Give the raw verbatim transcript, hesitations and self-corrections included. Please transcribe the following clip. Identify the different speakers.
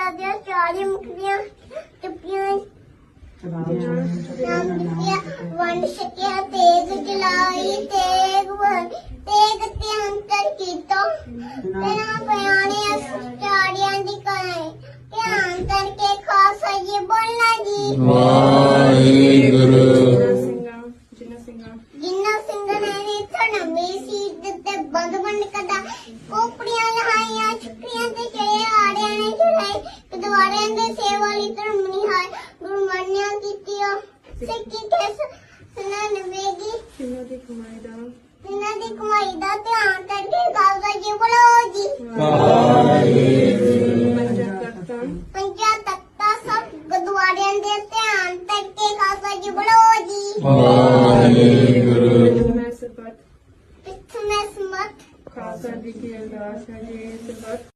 Speaker 1: ਦੇ ਚਾਲੀ ਮੁਕਤੀਆਂ ਚੁੱਪੀਆਂ ਨਾਮ ਦਿੱਤਿਆ ਵੰਡ ਛਕਿਆ ਤੇਗ ਚਲਾਈ ਤੇਗ ਵ- ਤੇਗ ਤੇ ਅੰਤਰ ਕੀਤਾ ਤੇਰਾ ਪਿਆਣੇ ਚਾੜਿਆਂ ਦੀ ਕਰਾਏ ਧਿਆਨ ਕਰਕੇ ਖਾਲਸਾ ਜੀ ਬੋਲਣਾ ਜੀ
Speaker 2: ਵਾਹਿਗੁਰੂ
Speaker 1: ਜਿੰਨਾ ਸਿੰਘ ਨੇ ਥਣ ਮੇਸੀ ਤੇ ਬੰਦ ਬੰਦ ਕਦਾ ਕੋਪੜੀਆਂ ਲਹਾਈਆਂ ਛੁੱਟੀਆਂ ਤੇ ਚੜੇ ਆੜਿਆਂ ਨੇ ਚੜਾਈ ਕਦਵਾਰਿਆਂ ਦੇ ਸੇਵਾ ਲਈ ਧਰਮ ਨਿਹਾਲ ਗੁਰੂ ਮਾਨਿਆ ਕੀਤੀਆਂ ਸਿੱਖੀ ਕੈਸ ਸੁਨਾ ਨਵੇਗੀ
Speaker 3: ਕਿੰਨਾ ਦੀ ਕਮਾਈ ਦਾ
Speaker 1: ਇਹਨਾਂ ਦੀ ਕਮਾਈ ਦਾ ਧਿਆਨ ਕਰਕੇ ਖਾਲਸਾ ਜੀ ਬੋਲੋ ਜੀ
Speaker 3: ਪੰਜਾ ਤਖਤਾਂ
Speaker 1: ਪੰਜਾ ਤਖਤਾਂ ਸਭ ਗੁਰਦੁਆਰਿਆਂ ਦੇ ਧਿਆਨ ਕਰਕੇ ਖਾਲਸਾ ਜੀ ਬੋਲੋ ਜੀ
Speaker 2: ਵਾਹਿਗੁਰੂ
Speaker 3: ਮੈਂ ਸਬਤ
Speaker 1: ਪਿੱਛੇ ਮੈਂ ਸਮਤ
Speaker 3: ਖਾਲਸਾ ਜੀ ਕੀ ਅਰਦਾਸ ਹੈ ਜੀ ਸਬਤ